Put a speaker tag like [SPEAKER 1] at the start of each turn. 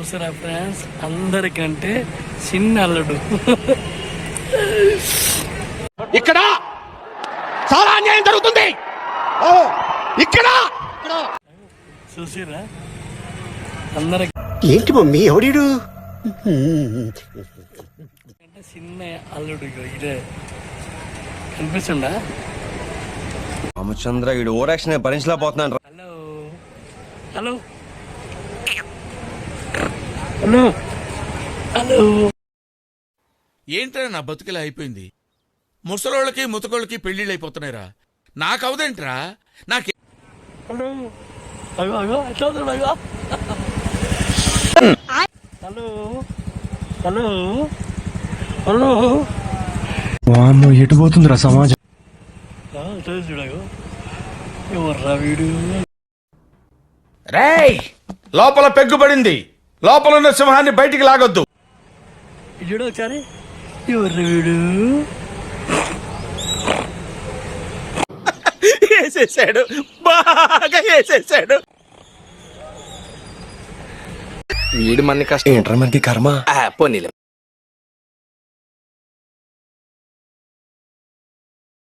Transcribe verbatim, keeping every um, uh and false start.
[SPEAKER 1] చూసారా ఫ్రెండ్స్, అందరికంటే చిన్న అల్లుడు.
[SPEAKER 2] ఇక్కడ చాలా అన్యాయం జరుగుతుంది. ఇక్కడ
[SPEAKER 1] చూసిరా అందరికి
[SPEAKER 2] ఏంటి మమ్మీ ఎవడు
[SPEAKER 1] చిన్న అల్లుడు. ఇదే కనిపిస్తుండా?
[SPEAKER 3] రామచంద్ర ఈడు ఓవర్ యాక్షన్ భరించలేకపోతున్నాను.
[SPEAKER 1] హలో హలో హలో హలో
[SPEAKER 4] ఏంట్రా నా బతుకిలా అయిపోయింది? ముసలోళ్ళకి ముతకోళ్ళకి పెళ్లిళ్ళు అయిపోతున్నాయిరా, నాకవదేంట్రా? నాకే
[SPEAKER 1] హలో అగో అగో ఎట్లా అగో హలో హలో హలో
[SPEAKER 5] వామ్మో ఎటు పోతుందిరా సమాజం?
[SPEAKER 1] చూడగో ఎవర్రా వీడు?
[SPEAKER 2] రేయ్, లోపల పెగ్గుపడింది. లోపల ఉన్న సింహాన్ని బయటికి లాగొద్దు.
[SPEAKER 1] చూడు ఒకసారి, ఎవర్రా వీడు?
[SPEAKER 2] వేసేసాడు, బాగా వేసేసాడు.
[SPEAKER 3] వీడు మనకి కష్టం ఏంట్రా, మనకి కర్మ. పోనీలే.